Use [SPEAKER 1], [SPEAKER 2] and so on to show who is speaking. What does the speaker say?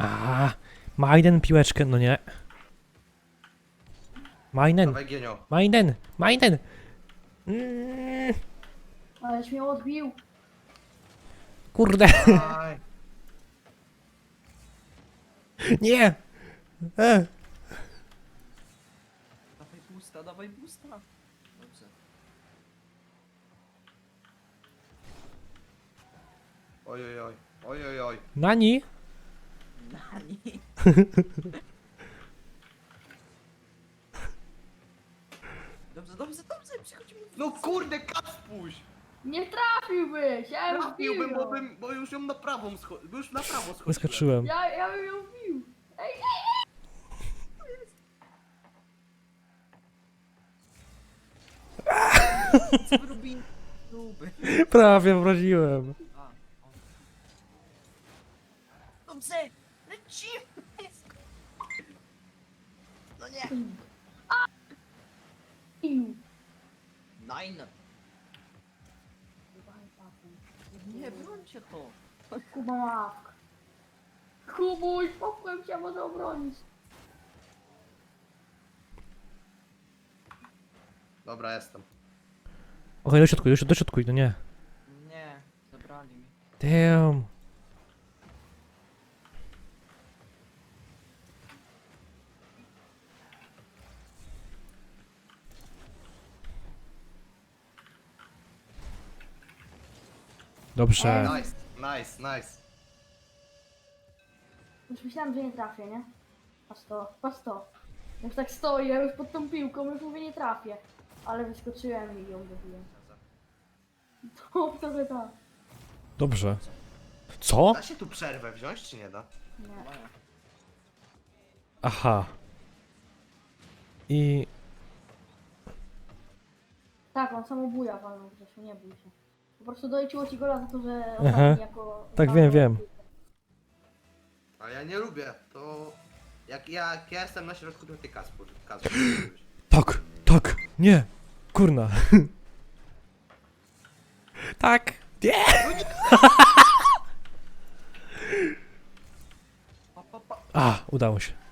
[SPEAKER 1] A, Majden piłeczkę, no nie. Majden,
[SPEAKER 2] Dawaj Gienio.
[SPEAKER 1] Majden, Majden.
[SPEAKER 3] Aleś mnie odbił.
[SPEAKER 1] Kurde,
[SPEAKER 2] Daj.
[SPEAKER 1] nie.
[SPEAKER 4] Dawaj boosta. Dobrze.
[SPEAKER 2] Oj, oj, oj. Oj, oj, oj.
[SPEAKER 1] Nani?
[SPEAKER 4] Nani. Dobrze, przychodzimy.
[SPEAKER 2] No kurde, kac puść!
[SPEAKER 3] Nie trafiłbyś! Ja ją
[SPEAKER 2] Trafiłbym,
[SPEAKER 3] wbiłem.
[SPEAKER 2] bo już ją na prawą bo już na prawo schodziłem.
[SPEAKER 1] Wyskoczyłem.
[SPEAKER 3] Ja bym ją wbił. Ej,
[SPEAKER 4] Co wy robimy? Próby.
[SPEAKER 1] Prawie wraziłem.
[SPEAKER 4] A, o. Dobrze, lecimy. No nie.
[SPEAKER 3] Bił.
[SPEAKER 4] Nine. Nie, brońcie to.
[SPEAKER 3] Kuba ławka. Kubuś, popłem cię, może obronić.
[SPEAKER 2] Dobra, jestem.
[SPEAKER 1] Okej, do środku, no nie.
[SPEAKER 4] Nie, zabrali mi.
[SPEAKER 1] Damn. Dobrze.
[SPEAKER 2] Nice, nice, nice.
[SPEAKER 3] Już myślałem, że nie trafię, nie? Patrz to. Już tak stoję, ja już pod tą piłką, już mówię nie trafię. Ale wyskoczyłem i ją dobiłem. To trochę tak.
[SPEAKER 1] Dobrze. Co?
[SPEAKER 2] Da się tu przerwę wziąć, czy nie da?
[SPEAKER 3] Nie.
[SPEAKER 4] Maja.
[SPEAKER 1] Aha. I...
[SPEAKER 3] Tak, on samobuja walnął Grzesiu, nie bój się. Po prostu doliczyło ci gola za to, że
[SPEAKER 1] Aha.
[SPEAKER 3] ostatni jako...
[SPEAKER 1] Tak, wiem.
[SPEAKER 2] A ja nie lubię, to... Jak ja jestem na środku, to ty Kacpur.
[SPEAKER 1] Tak, nie. Kurna. Tak. Nie.
[SPEAKER 4] Pa, pa, pa.
[SPEAKER 1] A, udało się.